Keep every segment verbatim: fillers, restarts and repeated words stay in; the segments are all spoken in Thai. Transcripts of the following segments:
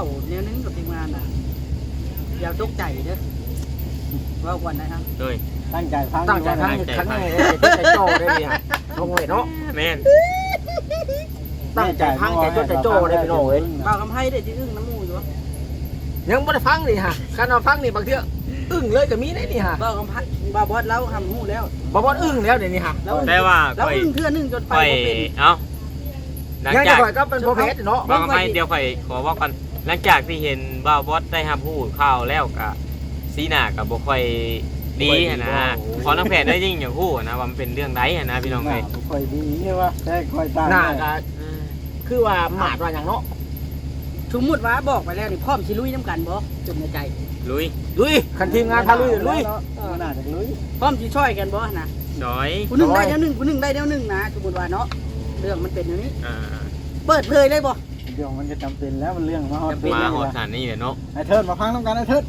าแนวนึงกับทีมงานน่ะอย่าตกใจเด้อเว้าก่อนนะครับโดยตั้งใจฟังตั้งใจฟังครั้งนี้ใจใจโจ้ได้ดิฮะน้องเอ๋ยเนาะแม่นตั้งใจฟังใจจดใจโจ้ได้พี่น้องเอ้ยเว้าคำให้ได้ที่อึ้งน้ำมูอยู่วะยังบ่ได้ฟังนี่ฮะคันเอาฟังนี่บางเทื่ออึ้งเลยก็มีได้นี่ฮะเว้าคำพัดบ่บอสเล่าคำมูแล้วบ่บ่อึ้งแล้วเดี๋ยวนี้ฮะแล้วแต่ว่าแล้วค่อยอึ้งเทื่อนึงจนไปค่อยบ่เป็นเอ้าหลังยังจากจะข่อยก็เป็นโปรเฟสเนาะบอกไม่เดี๋ยวค่อยขอบอกกันหลังจากที่เห็นบ่าวบอสได้รับผู้ข่าวแล้วก็สีหน้าก็บ่ค่อยดีหั้นนะขอน้องแพทย์ได้ยิ่งอย่างฮู้นะว่ามันเป็นเรื่องใดหั้นนะพี่น้องเอ้ยค่อยดีใช่ป่ะแต่ค่อยตั้งหน้าก็คือว่าหมาดว่าหยังเนาะสมมุติว่าบอกไปแล้วนี่พร้อมสิลุยน้ำกันบ่จนในใจลุยลุยคันทีมงานพาลุยลุยน่าจะลุยพร้อมสิช่วยกันบ่นะดอยผู้หนึงได้แนวหนึงผู้หนึงได้แนวหนึงนะสมมุติว่าเนาะเรื่องมันเป็นอย่างนี้อ่าเปิดเผยเลยบ่เดี๋ยวมันจะจำเป็นแล้วมันเรื่องมาฮอดมาหอดสถานนี่แหละเนาะไอ้เทิดมาฟังน้ำกันไอ้เทิด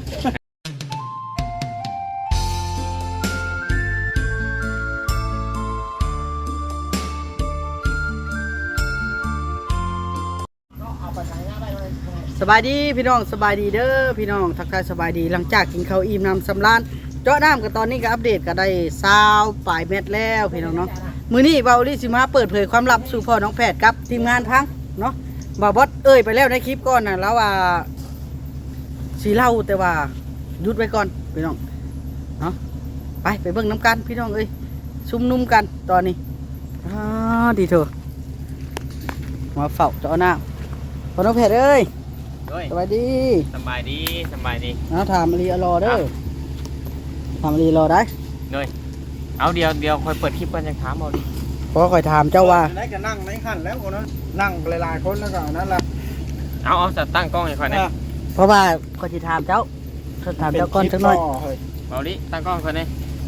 สบายดีพี่น้องสบายดีเด้อพี่น้องทักทายสบายดีหลังจากกินข้าวอิ่มน้ำสำราญเจาะน้ำกันตอนนี้ก็อัปเดตก็ได้ซาวปลายเม็ดแล้วพี่น้องเนาะมื้อนี้เบาลิสิมาเปิดเผยความลับสู่พ่อน้องแพทย์กับทีมงานพังเนาะบ่าวบอสเอ้ยไปแล้วในคลิปก่อนน่ะแล้วว่าสีเล่าแต่ว่าหยุดไว้ก่อนพี่น้องเนาะไปไปเบิ่งน้ำกันพี่น้องเอ้ยซุ่มนุ่มกันตอนนี้อ่าดีเถอะมาเฝ้าเจาะน้ำพ่อน้องแพทย์เอ้ยด้วยสบายดีสบายดีสบายดีเอาถามอลีอรอเด้อถามอลีรอได้ด้วยเอาเดียวเดียวค่อยเปิดคลิปกันจะถามเอาดิเพราะคอยถามเจ้าว่าได้ก็นั่งในขั้นแล้วคนนั้นนั่งหลายๆคนแล้วก็นั่นแหละเอาเอาจะตั้งกล้องให้ค่อยนะเพราะว่าคอยจะถามเจ้าเขาถามเจ้าก่อนสักหน่อยเอาดิตั้งกล้องค่อยนะ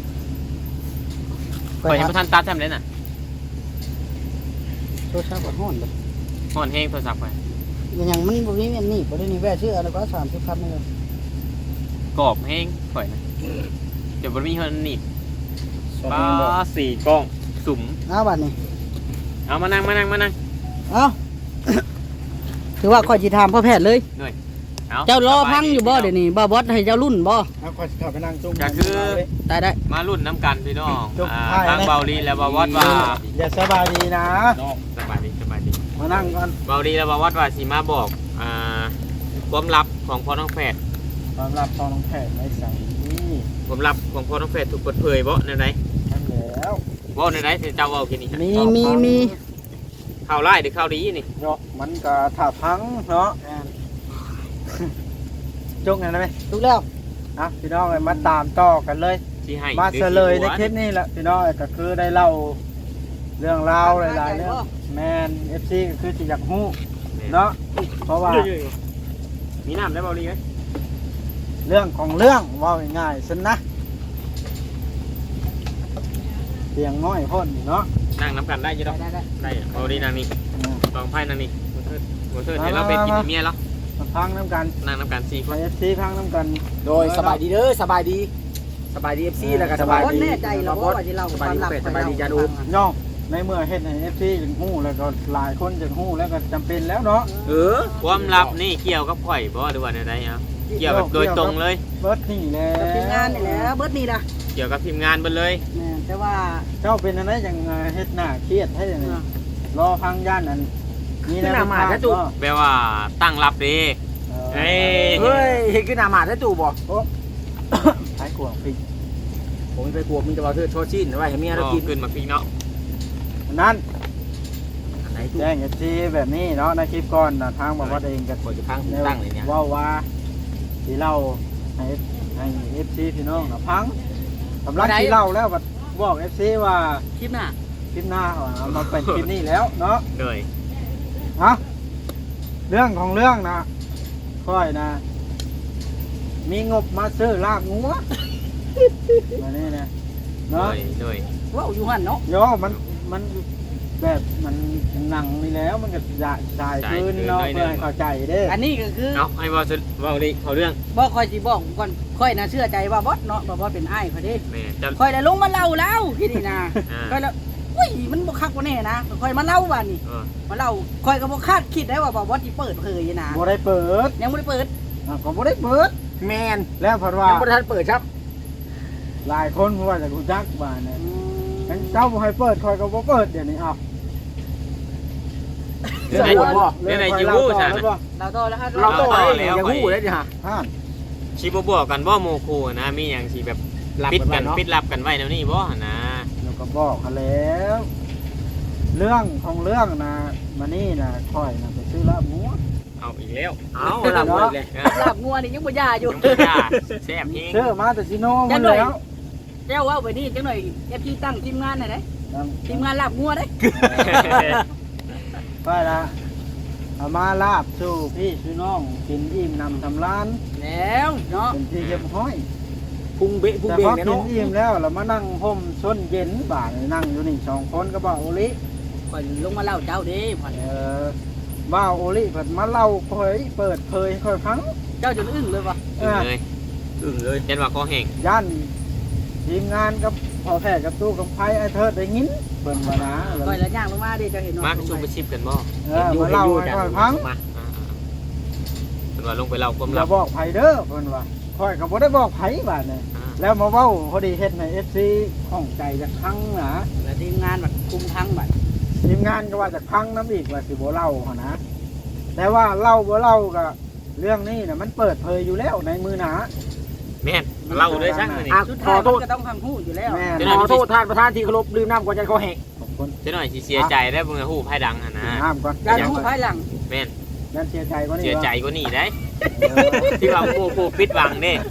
คค่ออยยยังถามบ่ทันตัดทำเลยน่ะโทรศัพท์ก็ฮ้อนเลยฮ้อนแฮงโทรศัพท์ไปอย่างมันบ่มีอันนี้บ่ได้นี่แว่ชื่ออะไรก็สามสิบพันนี่เลยกรอบแฮงค่อยนะเดี๋ยวบ่มีเฮือนนี่ป้าสี่กล้องสุ่มเอาบัดนี้เอามานั่งมานั่งมานั่งเอาถือว่าคอยจะถามพ่อแพทย์เลยเอาเจ้ารอพังอยู่บ่เดี๋ยวนี้บ่บอสให้เจ้ารุ่นบ่เอาค่อยเข้าไปนั่งจุ่มก็คือตายได้มารุ่นน้ำกันพี่น้องจุ๊บอ่าให้นะทางเบาลีและบาวอดว่าอย่าสบายดีนะสบายดีสบายดีมานั่งก่อนเบาลีและบาวอดว่าสีมาบอกอ่าความลับของพ่อน้องแฝดความรับตอนน้องแพทย์ไม่ใส่นี่ความลับของพ่อน้องแฝดถูกเปิดเผยบ่ในไหนนั่นแล้วบ่ในไหนที่เจ้าเว้าแค่นี้ฮะมีมีมีข่าวร้ายหรือข่าวดีนี่เนาะมันก็ถ้าพังเนาะจุกไงนะไหมถูกแล้วอ่ะพี่น้องเลยมาตามต่อกันเลยที่ให้มาหรือเฉลยในที่คลิปนี้แหละพี่น้องก็คือได้เล่าเรื่องราวหลายๆเรื่องแมนเอฟซีก็คือสิอยากฮู้เนาะเพราะว่ามีน้ำได้เบาลีไหมเรื่องของเรื่องว่าง่ายๆสินะเสียงน้อยพ่นนี่เนาะนั่งน้ำกันได้อยี่ดอกได้ได้ได้เบาลีนั่งนี่อืมลองไพ่นั่งนี่โมเตอร์โมเตอร์เห็นเราเป็นกินเมียแล้วมาพังน้ำกันนั่งน้ำกันสี่คไปนเอฟซีพังน้ำกันโดยสบายดีเด้อสบายดีสบายดีเอฟซีแล้วก็สบายบ่ดีแน่ใจหรอกว่าสิเล่าสบายดีเป็ดสบายดีจาดูย่องในเมื่อเฮ็ดให้เอฟซีจึงฮู้แล้วก็หลายคนจึงฮู้แล้วก็จำเป็นแล้วเนาะเออความลับนี่เกี่ยวกับข่อยบ่หรือว่าในใดครับเกี่ยวแบบโดยตรงเลยเบิร์ดนี่แหละกับทีมงานนี่แหละเบิดนี่ล่ะเกี่ยวกับทีมงานเบิดเลยแม่นแต่ว่าเจ้าเป็นอะไรอย่างเฮ็ดหน้าเครียดให้อย่างนี้รอพังย่านนั้นนี่ขึ้นหน้าหมาดแล้วตู่แปลว่าตั้งรับดี เฮ้ยเฮ้ยเห็นขึ้นหน้าหมาดแล้วตู่บ่ใช้กวงพริกผมไปกลัวมึงจะมาเธอโชชินไว้ให้เมียเรากินขึ้นมาพี่เนาะนั้นอันไหนตู่แจ้งเอฟซีแบบนี้เนาะในคลิปก่อนนะทางบอกว่าเองกับขอจะพังตั้งเลยเนี่ยว่าว่าที่เล่าให้ให้เอฟซีพี่น้องนะพังกำลังที่เล่าแล้วก็บอกเอฟซีว่าคลิปหน้าคลิปหน้าเอามาเป็นคลิปนี้แล้วเนาะเลยฮะเรื่องของเรื่องนะค่อยนะ มีงบมาซื้อลาบงัวมานี่นะเลเนาะยเลยเว้าอยู่หั่นเนาะโยมันมันแบบมันหนังนี่แล้วมันก็จะจ่ายคืนเนาะเพื่อให้เข้าใจเด้อันนี้ก็คือเอาให้ว่าว่าดีเขาเรื่องบ่ค่อยสิบอกก่อนค่อยน่ะเชื่อใจว่าบอสเนาะว่าบอสเป็นอ้ายเขาเด้แม่จะค่อยได้ลงมาเล่าแล้วที่นี่นะอ่าค่อยแล้วอุ้ยมันบ่คักบ่แน่นะค่อยมาเล่าว่านี่เออมาเล่าค่อยก็บ่คาดคิดได้ว่าบ่บ่สิเปิดเผยนะบ่ได้เปิดยังบ่ได้เปิดอ่ะก็บ่ได้เปิดแมนแล้วเพิ่นว่ายังบ่ทันเปิดครับหลายคนเพราะว่าจะรู้จักบ้านเนี่ยงั้นเจ้าบ่ให้เปิดคอยก็บ่เปิดเดี๋ยวนี้เอาเรื่องไหนเรื่องเรื่องไหนคอยจิเล่าวู้ต่อจ้ะแล้วบ่เราต่อแล้วฮะเราโตต่ได้อแล้วยังฮู้ได้ดิฮะท่านชีบบอกกันบ่โมคูนะมีหยังสิแบบหลับปิดกักัน นเนาะปิดลับกันไว้แนวนี้บ่นะแล้วก็บอกเขาแล้ว เรื่องของเรื่องนะมานี่นะคอยนะไปซื้อลาบหมูเอาอีกแล้วเอาหลับหมดเลยเออลาบงัวนี่ยังบ่ยาอยู่ยงยาแซ่บเฮงซื้อมาแต่ซิโนจัมันงหน่อยแล้วเจ้าว่าไปนี่จังหน่อย เอฟ ซี ตั้งทีมงานหน่อยเด้ทีมงานลาบงัวเด้ไปละเอามาลาบสู่พี่สู่น้องกินอิ่มนำทำร้านแล้วเนาะเป็นที่เรียบร้อยพุงเบะพุงแต่เบะพอเนี่ยกินเนาะอิ่มแล้วเรามานั่งห่มส้นเย็นบ่ายนั่งอยู่นี่สองคนก็บอกโอลิค่อยลงมาเล่าเจ้าเด้พ่อนเออบ่าวโอลิเปิดมาเล่าเผยเปิดเผยค่อยฟังเจ้าจนอึ้งเลยว่ะอึ้งเลยอึ้งเลยเห็นว่าคอแห้งย่านทีมงานกับพอแพทย์กับตู้กับไพ่ไอ้เทิดได้ยินเปิดมานะแล้วค่อยละย่างลงมาเด้เจ้าเห็นเนาะมากชุบไปชิบกันบ่เออมาเล่าให้ค่อยฟังมาอ่าๆเป็นว่าลงไปเล่าความอลัย่าบบอกไผเด้อเพิ่นว่าค่อยก็บ่ได้บอกไผบาดนี่อ่าแล้วมาเว้าพอดีเฮ็ดให้ เอฟ ซี ข้องใจจักครั้งนะแล้วทีมงานแบบคุมทั้งบัดทีมงานก็ว่าจักครั้งน้ำอีกว่าสิบ่เล่าหั่นนะแต่ว่าเล่าบ่เล่าก็เรื่องนี้น่ะมันเปิดเผยอยู่แล้วในมือหนาแม่นเล่าด้วยช่างเลยนี่อ่ะสุดขท้าอย โทมันษก็ต้องทำหู้อยู่แล้วแม่เดี๋ยวนหน่ขอยอโทษท่านประธานที่เคารพลืมน้ำก่อนจะเขาแหกขอบคุณเจะหน่อยสิเสียใจได้เบิ่งฮู้ไผดังหั่นนะน้ำก่อนการหู้ภายหลังแม่นยันเสียใจกว่านี้เสียใจกว่านี้ได้เออที่ว่าผู้ผู้ปิดบังนี่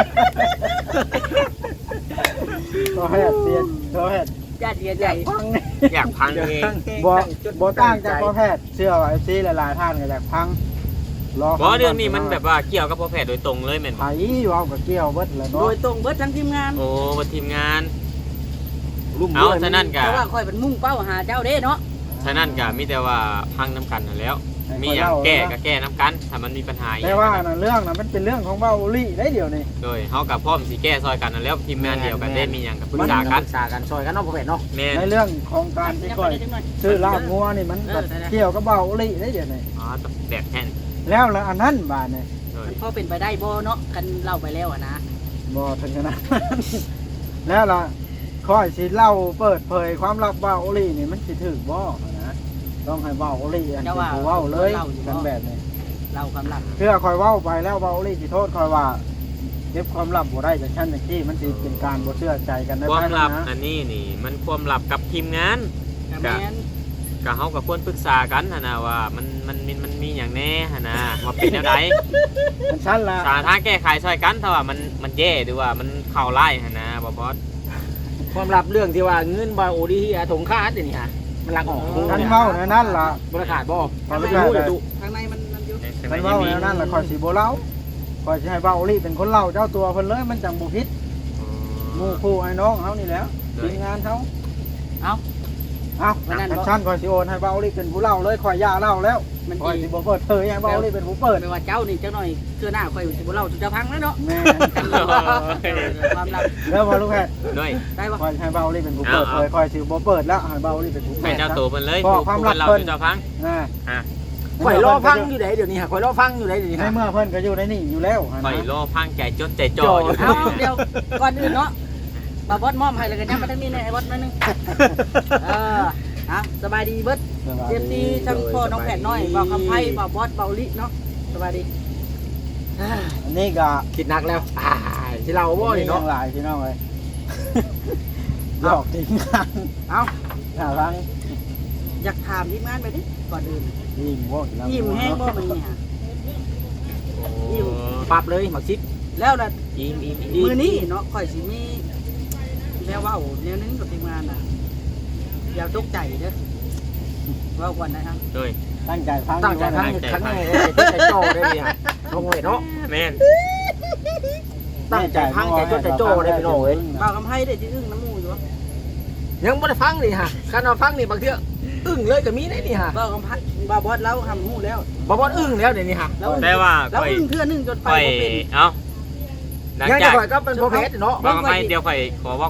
ก็แฮดเสียก็แฮดญาติเสียใจฟังนี่อยากพังเองบ่บ่ต่างจากพ่อแพทย์เชื่อว่า เอฟ ซี หลายๆท่านก็อยากฟังรอบ่เรื่องนี้มันแบบว่าเกี่ยวกับพ่อแพทย์โดยตรงเลยแม่นไผเว้ากับเกี่ยวเบิดแหล้วโดเนาะยตรงเบิดทั้งทีมงานโอ้บ่ทีมงานรุ่มเอาด้วยฉะนั้นก็เพราะว่าค่อยเป็นมุ่งเป้าหาเจ้าเด้เนาะฉะนั้นก็มีแต่ว่าพังน้ำกันนั่นแหล้ว มีหยังแก้ก็แก้น้ำกันถ้ามันมีปัญหาอีกแต่ว่าน่ะเรื่องน่ะมันเป็นเรื่องของเว้าลี่ได้เดี๋ยวนี้โดยเฮากับพร้อมสิแก้ซอยกันนั่นแหล้วทีมงานเดียวกันได้มีหยังก็ปรึกษาปกันรึกษากันซอยกันเนาะพ่อแม่เนาะแม่นในเรื่องของการที่ก่อยซื้อลาบงัวนี่มันแบบเกี่ยวกับเว้าลี่ได้เดี๋ยวนี้อ๋อตบแดดแห้งแล้วละอันนั้นบาดนี่โดยมันพอเป็นไปได้บ่เนาะกันเล่าไปแล้วอะนะบ่ถึงขนาดนั้นแล้วล่ะค่อยสิเล่าเปิดเผยความลับเว้าลี่นี่มันสิถึกบ่นะต้องให้เว้าลี่อันที่ผู้เว้าเลยกันแบบนี้เล่าความลับเพื่อคอยเว้าไปแล้วเว้าลี่สิโทษคอยว่าเก็บความลับบ่ได้จากชั้นจากที่มันสิเป็นการบ่เชื่อใจกันได้ความภายหลับนะอันนี้นี่ มันความลับกับทีมงานแต่แม่นก็เฮาก็ควรปรึกษากันหั่นน่ะว่ามันมันมันมันมีหยังแน่หั่นน่ะว่าเป็นแนวใดมันชั้นละสาทางแก้ไขช่วยกันถ้าว่ามันมันแย่หรือว่ามันเข้าไล่หั่นนะบ่บอสความลับเรื่องที่ว่าเงินบาโอดีที่อาถงค่าเดี๋ยวนี้ฮะมันลักออกท่านเว้าในนั้นล่ะบริขาดบ่ขอไม่ไม่รู้ได้เลยเลยดูข้างในมันมันอยู่ท่านเว้าในนั้นล่ะคอยสิบ่เล่าคอยสิให้เว้าลี่เป็นคนเล่าเจ้าตัวเพิ่นเลยมันจังบ่ผิดหมู่คู่ไอ้น้องเฮานี่แหล้วทีมงานเฮาเอาเอ้าวันนั้นบ่แอคชั่นคอยสิโอนให้เว้าลี่เป็นผู้เล่าเลยคอยย่าเล่าแล้วมันคอยดีสิบ่เปิดเผยให้เว้าลี่เป็นผู้เปิดไม่ว่าเจ้านี่เจ้าหน่อยเชื่อหน้าค่อยสิบ่เล่าสุดจะพังแล้วเนาะแม่ความลับแล้วพอลูกแพทย์ด้วยได้บ่คอยให้เว้าลี่เป็นผู้เปิดเผยคอยสิบ่เปิดแล้วให้เว้าลี่เป็นผู้เปิให้ดเจ้าตัวเพิ่นเลยบอกความลับเราเพิ่นเจ้าฟังอ่าอ่ะข่อยรอฟังอยู่ไหนเดี๋ยวนี้ฮะข่อยรอฟังอยู่ไหนเดี๋ยวนี้ในฮะเมื่อเพิ่นก็อยู่ในนี่อยู่แล้วอะนะคอยรอพังใจจดใจจ่ออยู่เอาเดี๋ยวก่อนอื่นเนาะบาบอสมอมให้แล้วกันยังมาทั้งนี้ในไอ้บอสนั่นนึงเอออ่ะสบายดีเบิดเจ็บดีทั้งพ่อน้องแผดน้อยบ่าวคำไพ่บ่าวบอสบ่าวลิเนาะสบายดีอันนี้ก็คิดหนักแล้วอ่าที่เราบ่นี่เนาะเนาะหลายพี่น้องเลยหยอกจริงกันเอาหาฟังอยากถามทีมงานไปดิก่อนอื่นยิ้มบ่แล้วยิ้มแห้งบ่มันนี่ฮะโอ้ปรับเลยหมักชิดแล้วน่ะยิ้มยิ้มมือนี้เนาะค่อยสิมีแนวเว้าแนวนึงกับทีมงานน่ะอย่าตกใจเด้อเว้าก่อนนะครับด้วยตั้งใจฟังตั้งใจอยู่ฟังนะครั้งแรกใจโจ้ได้เลยฮะลงเลยเนาะแม่นตั้งใจฟังใจจดใจโจ้ได้พี่น้องเอ้ยบ่าวคำไพ่ได้ที่อึ้งน้ำมูอยู่วะยังบ่ได้ฟังนี่ฮะการนอนฟังนี่บางเทื่ออึ้งเลยก็มีได้นี่ฮะบ่าวคำไพ่บ่าวบอสเราทำหูแล้วบ่บ่อึ้งแล้วเดี๋ยวนี้ฮะแล้วแต่ว่าแล้วค่อยอึ้งเทื่อนึงจนไปค่อยบ่เป็นเอ้าหลังยังจาจะกข่อยก็เป็นพ่อเพชรเนาะบางไม่เดี๋ยวค่อยขอบอกกัน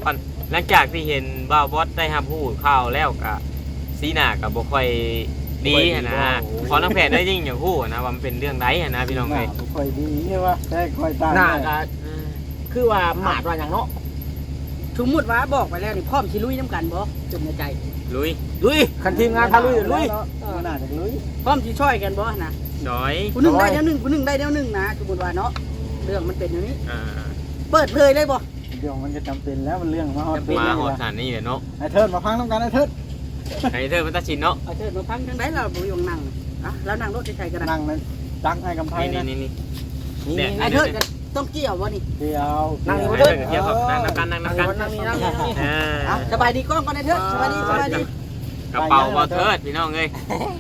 หลังจากที่เห็นบ่าวบอสได้รับรู้ข่าวแล้วก็สีหน้าก็บ่ค่อยดีหั้นนะขอน้องแพทย์ได้ยิ่งอย่างฮู้นะว่ามันเป็นเรื่องใดหั้นนะพี่น้องเอ้ยบ่ค่อยดีใช่ป่ะแต่ค่อยตายหน้าก็คือว่าหมาดว่าหยังเนาะสมมุติว่าบอกไปแล้วนี่พร้อมสิลุยน้ำกันบ่จนในใจลุยลุยคันทีมงานพาลุยลุยมันน่าจะลุยพร้อมสิช่วยกันบ่นะดอยผู้หนึงได้แนวหนึงผู้หนึงได้แนวหนึงนะสมมุติว่าเนาะเรื่องมันเป็นอย่างนี้อ่าเปิดเผยเลยบ่เดี๋ยวมันก็จำเป็นแล้วมันเรื่องมาฮอดมาฮอดสถานนี้แหละเนาะไอ้เทิดมาฟังน้ำกันไอ้เทิดให้เธอมันตัดสินเนาะเอาเชิญมาพังจังได๋เราบ่อยู่นั่งอ่ะแล้วนั่งรถใช้ๆกันนะนั่งนั่นจักไอ้กำไพนี่นะนี่นี่นี่เนี่ยไอ้เทิดก็ต้องเกี่ยวบ่นี่เดียวนั่งให้อยู่เธเถิอดเกี่ยวกับนั่งนับกันนั่งนับกันนั่งนี่นั่งนี่อ่าอ่ะสบายดีกล้องก่อนไอ้เทิดสบายดีสบายดีกระเป๋าบ่เทิดพี่น้องเอ้ย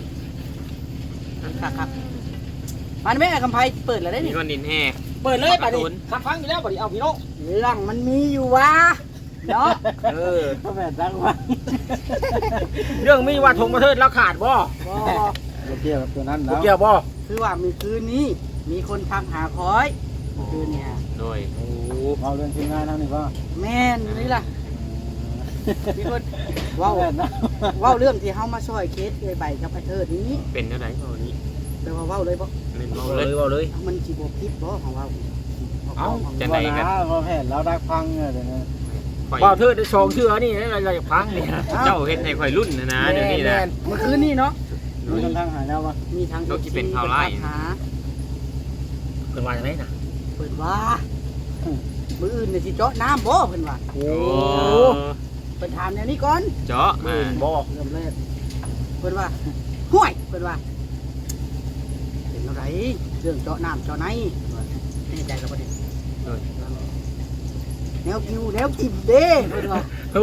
ครับครับมันแม่กำไพเปิดแล้วได้มีนี่ก้อนดินแห่เปิดเลยป่ะดิขับฟังอยู่แล้วป่ะดิเอาพี่น้องหลังมันมีอยู่วะเนาะเออก็แบบจังว่าเรื่องมีว่าทงประเทศแล้วขาดบ่บ่บ่เกี่ยวกับตัวนั้นบ่แล้วเกี่ยวบ่คือว่ามีคืนนี้มีคนทำหาคอยคืนเนี่ยโดยโอ้เอาเรื่องทีมงานเท่านี้ก็แม่นนี่ล่ะมีคนเว้าแบบ นั้นเว้าเรื่องที่เฮามาช่วยเคสเลยใบกับไอ้เทิดนี้เป็นเท่าไหร่เท่านี้แต่ว่าเว้าเลยบ่เล่นเอาเมาเลเลย ยเอาเลยมันสิบ่ผิดบ่ของเว้าเอ้าจะไหนกันพอแผนเราได้ฟังเดี๋ยวนี้ข่อยบ่เธอได้ชงเชื่อนี่เราอยากฟังนี่เจ้าเฮ็ดให้ข่อยรุ่นนะนะเดี๋ยวนี้นะเมื่อคืนนี้เนาะมีคนทางหาแล้ววะมีทั้งต้องคิดเป็นข่าวร้ายหาเป็นว่าอย่างไรนะเพิ่นว่ามื้ออื่นน่ะสิเจาะน้ำบ่เพิ่นว่าโอ้โอ้เพิ่นถามแนวนี้ก่อนเจาะเออ่าอบ่เริ่มแรกเพิ่นว่าห่วยเพิ่นว่าเป็นอะไรเรื่องเจาะน้ำเจาะไหนแน่ใจกับประเด็นโดยแนวกิวแนวกินเด้เพิ่นว่าโอ้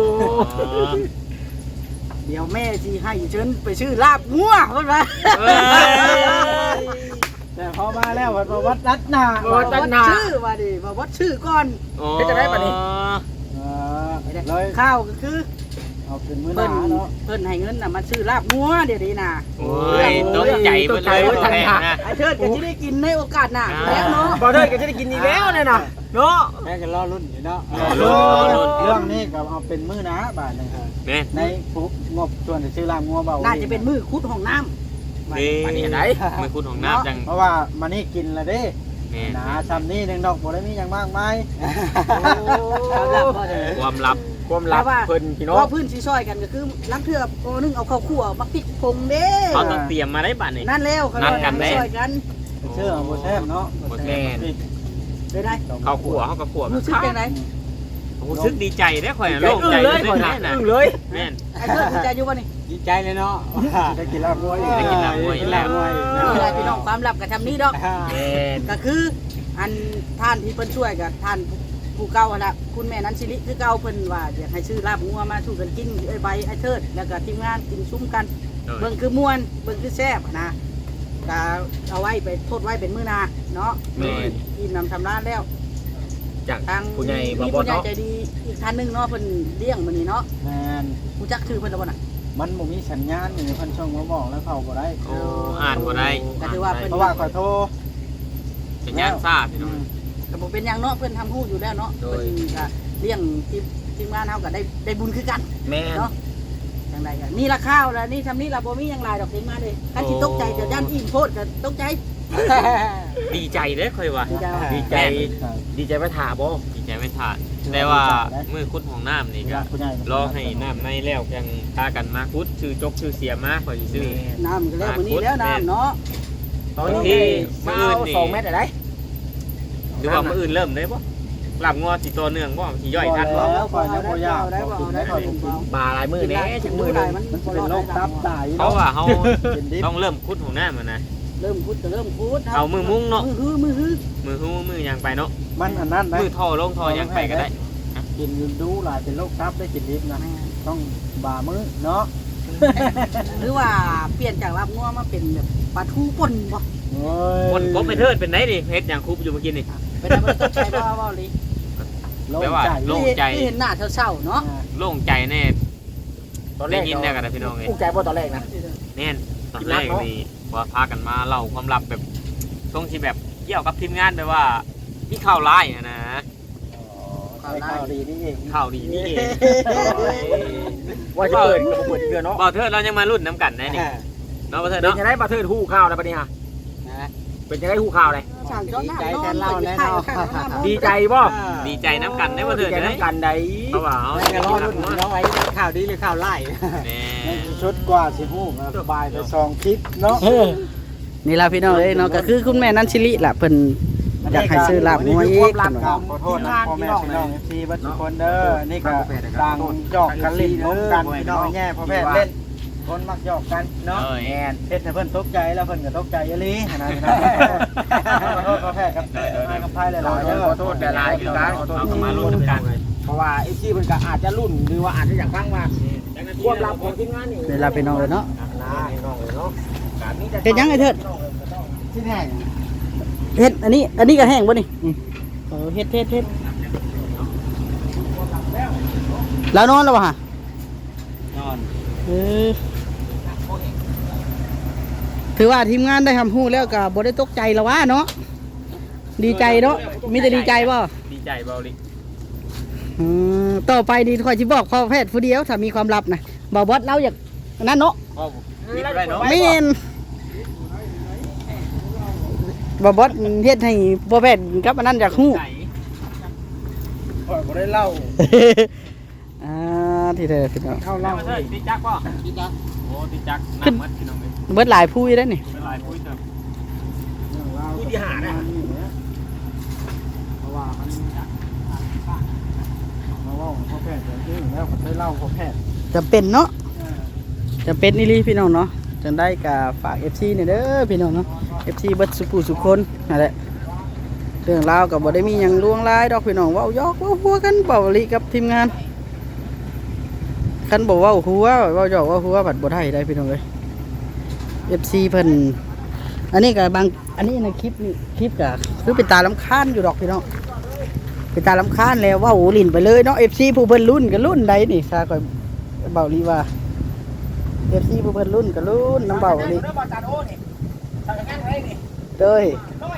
เดี๋ยวแม่สิให้เชิญไปชื่อลาบงัวเพิ่นว่าเอ้ยแต่พอมาแล้ววัดวัดรัดหน้าว่าวัดชื่อว่าดิว่าวัดชื่อก่อนโอ้เออเลยข้าวก็คือเอาเป็นมื้อหเพิ่นน้าเนาะเพิ่นให้เงินน่ะมาชื่อลาบงัวเดี๋ยวนี้น่ะโอ้ยตกใจหมดเลยพ่อแม่นะไอ้เทิดก็สิได้กินในโอกาสหน้าแล้วเนาะบ่เธอก็จะได้กินอีกแล้วเนี่ยนะเนาะแม่กันรอรุ่นอยู่เนาะรอรุ่นรอรุ่นเรื่องนี้ก็เอาเป็นมื้อหน้าบาทนึงครับแม่ในปุ๊บงบส่วนที่ชื่อรามงัวเบาน่าจะเป็นมือคุดห้องน้ำนี่อันนี้ไหนมือคุณของน้ำจังเพราะว่ามานี่กินละเด้แม่หนาซ้ำนี่หนึ่งดอกบ่ได้มีอย่างมากมายความลับบ่ได้ความลับความลับเพิ่นพี่เพน้องราะพื้นสีซอยกันก็คือลักเทือบโอนึงเอาข้าวคั่วมาพริกผงเด้เขาต้องเตรียมมาได้บัดนี่นั่นแล้วเขานัดกันเด้ซอยกันเชื่อบ่แซ่บเนาะบ่แซ่บเลยได้เขาขัวเขาก็ขัวรู้สึกจังไดรู้สึกดีใจได้ข่อยโล่โล่งงใจใจเลยเลก่อนยนะนะอึ้งเลยแม่นไอ้เทิดดีใจอยู่บ่นี่ดีใจเลยเนาะได้กินลาบงัวอีกได้กินลาบงัวอีกแล้วนี่แหละพี่น้องความลับกับทำนี้ดอกแม่นก็คืออันท่านที่เพิ่นช่วยกับท่านผู้เก่าหั่นล่ะคุณแม่นันสิริคือเก่าเพิ่นว่าอยากให้ซื้อลาบงัวมาสู่กันกินไอ้ใบไอ้เทิดแล้วก็ทีมงานกินซุ้มกัน เบิ่งคือม่วนเบิ่งคือแซ่บนะก็เอาไว้ไปโทษไว้เป็นมื้อหนาเนาะแม่นอิ่มนำทำร้านแล้วจากทางผู้ใหญ่บ่มีบ่ผู้ใหญ่เนาะใจดีอีกท่านหนึงเนาะเพิ่นเลี้ยงมื้อนี้เนาะแม่นรู้จักชื่อเพิ่นแล้วบ่น่ะมันบ่มีสัญญาณอยู่เพิ่นช่องมาบอกแล้วเข้าบ่ได้โอ้อ่านบ่ได้ก็ถือว่าเพิ่นเพราะว่าขอโทษเป็นย่านซ่าพี่น้องก็บ่เป็นหยังเนาะเพิ่นทำฮู้อยู่แล้วเนาะโดเพิ่ยนก็เลี้ยงทีมทีมงานเฮาก็ได้ได้บุญคือกันแม่นเนาะจังไดก็นี่ละข้าวแล้วนี่ทำนี่ละบ่มีหยังหลายดอกทีมงานเด้คันสิตกใจจะย่านอิ่มโพดก็ตกใจดีใจเด้อข่อยว่าดีใจว่ะดีใจดีใจไปถาบ่ดีใจไม่ทานแต่ว่ามือคุดของน้ำนี่ก็ผู้ใหญ่รอให้น้ำในแล้วยังพากันมาคุดชื่อจกชื่อเสียมาข่อยสิซื้อน้ำก็แล้วมื้อนี้แล้วน้ำเนาะตอนนี้มาเอาสองเม็ดอะไรหรือว่ามื้ออื่นเริ่มได้บ่หลับงัวสิตัวเนื่องบ่สิย่อยทันบ่แล้วก่อนยังบ่ยากได้บ่ได้บ่ได้บ่บาหลายมือเด้จังมือหนึงมันจะเป็นโรคตับตายเพราะว่าเฮาเป็นดิบต้องเริ่มคุดของน้ำอะนะเริ่มพูดก็เริ่มพูดเอามือมุ้งเนาะมือฮือมือฮือมือหูมือหยังไปเนาะมันอันนั้นนะมือท่อลงท่อหยังไปก็ได้กินดูหลายเป็นโรคตับได้กินดิบนะต้องบ่ามื้อเนาะหรือว่าเปลี่ยนจากลาบงัวมาเป็นแบบปลาทูป่นบ่โอ้ยคนกบไปเทิดเป็นไหนดิเฮ็ดหยังคุบอยู่เมื่อกี้นี่เป็นอะไรต้องใช้บ่บ่ลิโล่งแปลว่าใจโล่งใจเห็นหน้าเศร้าๆเนาะโล่งใจแน่ตอนแรได้กยินแน่กันนะพี่น้องเอ้ยอุ้งใจบ่ตอนแรกนะแน่นตอนแรกนี่ว่าพากันมาเล่าความลับแบบช่วงที่แบบเกี่ยวกับทีมงานแบบว่ามีข่าวร้ายอะนะข่าวข่าวดีนี่เองข่าวดีนี่เองว่าจะเปิดก็บ่เปิดอีกเดือนเนาะบ่เทิดเรายังมารุ่นน้ำกันได้นี่เนาะบ่เทิดเป็นเนาะยังไงบ่เทิดฮู้ข่าวแล้วบัดนี้ฮะเป็นยังไงฮู้ข่าวเลยสั่งเจ้าหน้าใจแทนเราแน่นอนดีใจบ่ดีใจน้ำกันได้บ่เทิดดีใจได้น้ำกันได้เพราะว่าเอาไม่รอรุ่นน้องไอ้ข่าวดีหรือข่าวไล่แน่ชุดกว่าสิฮู้สบายไปซองคลิปเนาะนี่ล่ะพี่น้องเอ้ยเนาะก็คือคุณแม่นันชิลิล่ะเพิ่นอยากให้ซื้อลาบงัวอีกขอโทษนะพ่อแม่พี่น้องทีบัดทุกคนเด้อนี่ก็ต่างหยอกกันเล่นน้องกันพี่น้องแย่พ่อแม่เล่นคนมักหยอกกันเนาะแอนเฮ็ดให้เพิ่นตกใจแล้วเพิ่นก็ตกใจอีหลีนะพี่น้องขอโทษพ่อแม่กับกับพายหลายๆเด้อขอโทษแต่หลายคือกันขอโทษเอาก็มารุ่นน้ำกันเพราะว่าไอ้ที่มันก็อาจจะรุ่นหรือว่าอาจจะอยากฟังว่าความลับของทีมงานนี่นี่ล่ะพี่น้องเอ้ยเนาะนะน้องเนาะการนี้จะเฮ็ดหยังไอ้เถิดที่แห้งเฮ็ดอันนี้อันนี้ก็แห้งบ่นี่เออเฮ็ดเฮ็ดเฮ็ดแล้วนอนแล้วบ่ฮะนอนเออถือว่าทีมงานได้ทำฮู้แล้วก็บ่ได้ตกใจแล้วว่าเนาะดีใจเนาะมีแต่ดีใจบ่ดีใจเบาลิอืมต่อไปดีค่อยสิบอกพ่อแพทย์ผู้เดียวถ้ามีความลับนะบ่บอสเราอยากนั่นเนาะพ่อคิดได้เนาะแม่นบ่บอสเฮ็ดให้พ่อแพทย์กับอันนั้นอยากฮู้ข่อยบ่ได้เล่าอ่าที่เด้อพี่น้องเข้าเล่าเล่าเถิดติจักป่ะติจักโอ้ติจักน้ำมัดพี่น้องเลยเบิดหลายผู้อยู่ได้อนี่เป็นลายปุ้ยเถอะผู้ที่หาน่ะเพราะว่ามันมาว่าพ่อแพทย์จริงๆแล้วผมได้เล่าพ่อแพทย์จำเป็นเนาะจำเป็นนี่ลีพี่น้องเนาะจังได้ก็ฝาก เอฟ ซี นี่เด้อพี่น้องเนาะ เอฟ ซี เบิดสุผู้สุคนนั่นแหละเรื่องราวก็บ่ได้มีหยังล่วงลายดอกพี่น้องเว้ายอกเว้าหัวกันเป่าลีกับทีมงานคันบ่เว้าหัวเว้ายอกเว้าหัวบัดบ่ได้ได้พี่น้องเอ้ย เอฟ ซี เพิ่นอันนี้ก็บางอันนี้ในคลิปนี่คลิปก็คือเป็นตาลำคาญอยู่ดอกพี่น้องเป็นตาลำคาญแล้วเว้าลิ้นไปเลยเนาะ เอฟ ซี ผู้เพิ่นรุ่นก็รุ่นใดนี่ซาก็เบาลีว่า เอฟ ซี ผู้เพิ่นรุ่นก็รุ่นน้ำเบาลีเด้อบ่จานโอ้นี่ทำงานไว้นี่เด้ย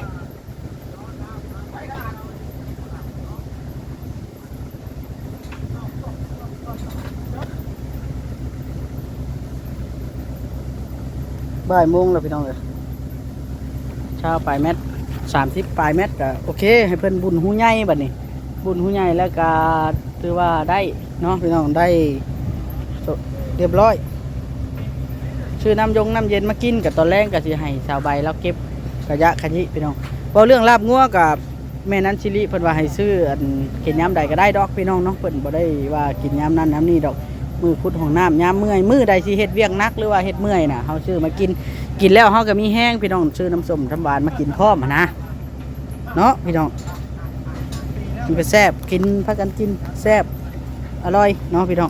บ่ายโมงแล้วพี่น้องเอ้ยเช้าปลายเม็ดสามสิบปลายเม็ดก็โอเคให้เพิ่นบุญหูใหญ่บัดนี้ บุญหูใหญ่แล้วก็ถือว่าได้เนาะพี่น้องได้เรียบร้อยชื่อน้ำยงน้ำเย็นมากินกับตอนแรกก็สิให้ชาวใบแล้วเก็บกระยะขยิพี่น้องเพราะเรื่องลาบงัวกับแม่นั้นชิลิเพิ่นว่าให้ซื้ออันกินยามใดก็ได้ดอกพี่น้องเนาะเพิ่นบ่ได้ว่ากินยามนั้นยามนี้ดอกมือพุดของน้ำยามเมื่อยมือใดสิเฮ็ดเวียกนักหรือว่าเฮ็ดเมื่อยน่ะเฮาซื้อมากินกินแล้วเฮาก็มีแห้งพี่น้องซื้อน้ำส้มน้ำหวานมากินพร้อมหั้นนะเนาะพี่น้องกินไปแซ่บกินพากันกินแซ่บอร่อยเนาะพี่น้อง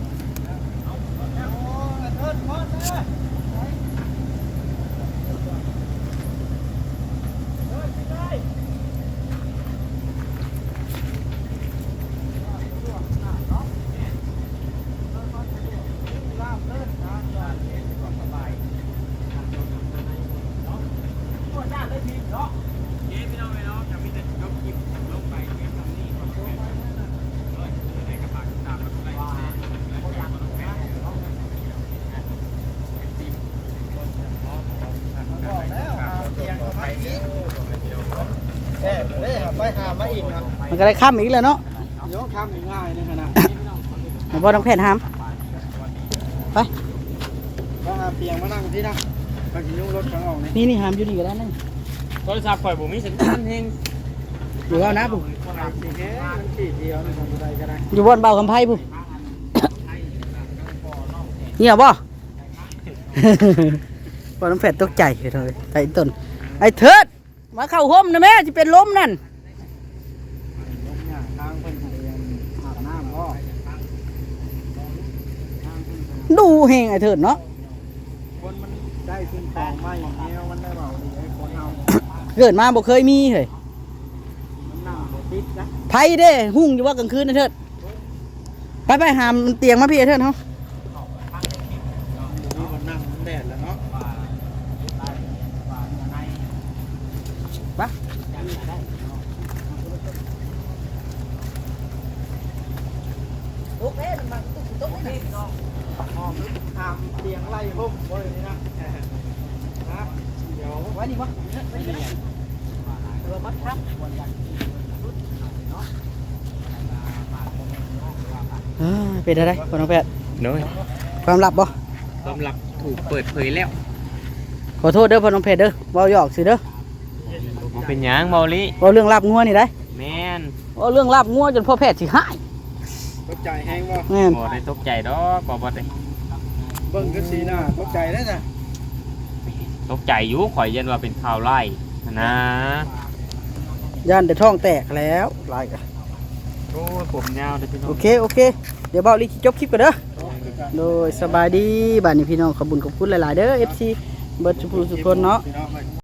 ไปหามาอีกนะมันก็ได้ข้ามอีกแล้วเนาะเดี๋ยวทำง่ายๆนี่ขนาดมันบ่ต้องแพทย์ห้ามไปก็หาเตียงมานั่งที่นั่งไปกินยุ่งรถข้างออกนี่นี่นี่ห้ามอยู่นี่ก็ได้นั่นโทรศัพท์ข่อยบ่มีสัญญาณเฮงอยู่เอานะปุ๊สีแค่มันสีเดียวนี่ทำได้ก็ได้อยู่บนเบาคำไพ่ปุ๊ เงียบบ่ พอน้ำแฟดตกใจเลยไอ้ต้นไอ้เถิดมาเข้าห่มนะแม่จะเป็นลมนั่นลมเนี่ยทางเพิ่นให้อาบน้ำก็ดูแหงไอ้เถิดเนาะคนมันได้ขึ้นคลองไม่แนวมันได้เบาดีไอ้คนเอาเกิดมาบ่เคยมีเลยมันนั่งบ่ติดนะไพ่เด้หุ่งอยู่ว่ากลางคืนไอ้เถิดไปไปหามเตียงมาพี่ไอ้เถิดเนาะนี่มันนั่งแดดแล้วเนาะไปโต๊ะเอ๊ะมันบังโต๊ะนี่น้องหอมทำเตียงไล่ห่มบ่เลยนี่นะนะเดี๋ยวไว้นี่บ่ไว้นี่เรามัดครับอ่าเป็นอะไรพ่อน้องแพทย์โน้ยความลับบ่ความลับถูกเปิดเผยแล้วขอโทษเด้อพ่อน้องแพทย์เด้อเว้าหยอกสิเด้อบ่เป็นหยังเบาลิเว้าเรื่องลาบงัวนี่ได้แม่นเว้าเรื่องลาบงัวจนพ่อแพทย์สิหายตกใจแห้งบ่แม่นบ่ได้ตกใจดอกบ่บ่ได้เบิ่งก็สีหน้าตกใจแล้วจ้ะตกใจอยู่ข่อยยันว่าเป็นข่าวไล่นะย่านแต่ท้องแตกแล้วหลายกะโอ้ยผมยาวเด้อพี่น้อโอง เคโอเคเดี๋ยวเบาลีสิจบคลิปกันเด้อโดยสบายดีบ้านนี้พี่น้องขอบคุญขอบคุณหลายๆเด้อ เอฟ ซี เบิร์ดสุภูสุคนเนาะพี่น้อง